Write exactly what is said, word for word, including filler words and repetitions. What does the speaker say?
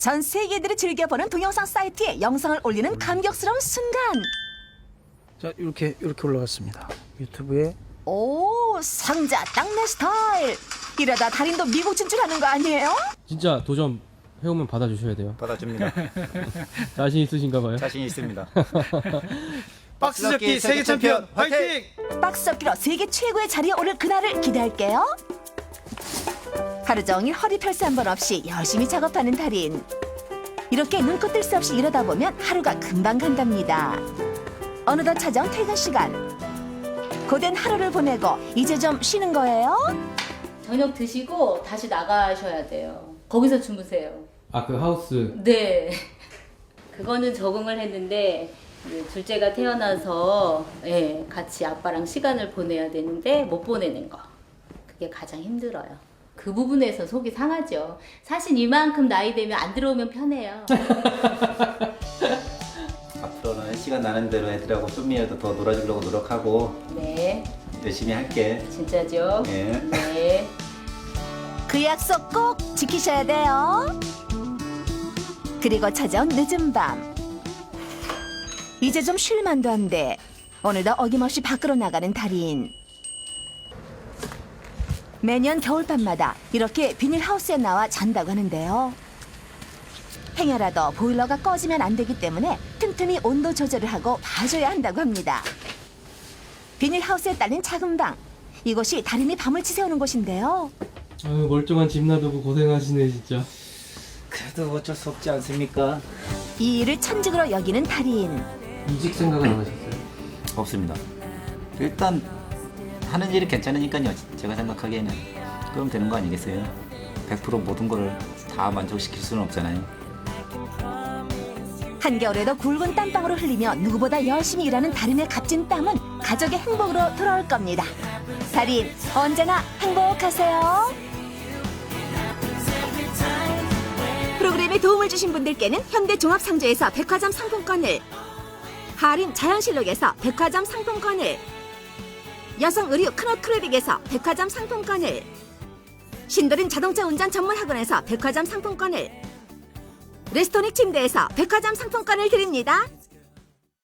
전 세계들이 즐겨보는 동영상 사이트에 영상을 올리는 감격스러운 순간. 자, 이렇게 이렇게 올라갔습니다. 유튜브에. 오, 상자 딱 내 스타일. 이러다 달인도 미국 진출하는 거 아니에요? 진짜 도전 해오면 받아주셔야 돼요. 받아줍니다. 자신 있으신가 봐요. 자신 있습니다. 박스접기 세계 챔피언 화이팅! 박스 접기로 세계 최고의 자리에 오를 그날을 기대할게요. 하루 종일 허리 펼새 한 번 없이 열심히 작업하는 달인. 이렇게 눈코 뜰 새 없이 일하다 보면 하루가 금방 간답니다. 어느덧 찾아온 퇴근 시간. 고된 하루를 보내고 이제 좀 쉬는 거예요? 저녁 드시고 다시 나가셔야 돼요. 거기서 주무세요. 아, 그 하우스. 네. 그거는 적응을 했는데 이제 둘째가 태어나서 예, 같이 아빠랑 시간을 보내야 되는데 못 보내는 거. 그게 가장 힘들어요. 그 부분에서 속이 상하죠. 사실 이만큼 나이 되면 안 들어오면 편해요. 앞으로는 시간 나는 대로 애들하고 좀이라도 더 놀아주려고 노력하고 네. 열심히 할게. 진짜죠? 예. 네. 그 약속 꼭 지키셔야 돼요. 그리고 찾아온 늦은 밤. 이제 좀 쉴만도 한데 오늘도 어김없이 밖으로 나가는 달인. 매년 겨울밤마다 이렇게 비닐하우스에 나와 잔다고 하는데요. 행여라도 보일러가 꺼지면 안 되기 때문에 틈틈이 온도 조절을 하고 봐줘야 한다고 합니다. 비닐하우스에 딸린 작은 방. 이곳이 달인이 밤을 치새우는 곳인데요. 아유, 멀쩡한 집 놔두고 고생하시네 진짜. 그래도 어쩔 수 없지 않습니까? 이 일을 천직으로 여기는 달인. 이직 생각은 안 하셨어요? 없습니다. 일단 하는 일이 괜찮으니까요. 제가 생각하기에는 그럼 되는 거 아니겠어요? 백 퍼센트 모든 거를 다 만족시킬 수는 없잖아요. 한겨울에도 굵은 땀방울을 흘리며 누구보다 열심히 일하는 달인의 값진 땀은 가족의 행복으로 돌아올 겁니다. 달인, 언제나 행복하세요. 프로그램에 도움을 주신 분들께는 현대종합상조에서 백화점 상품권을, 하림 자연실록에서 백화점 상품권을, 여성의류 크노크레빅에서 백화점 상품권을, 신도림 자동차 운전 전문학원에서 백화점 상품권을, 레스토닉 침대에서 백화점 상품권을 드립니다.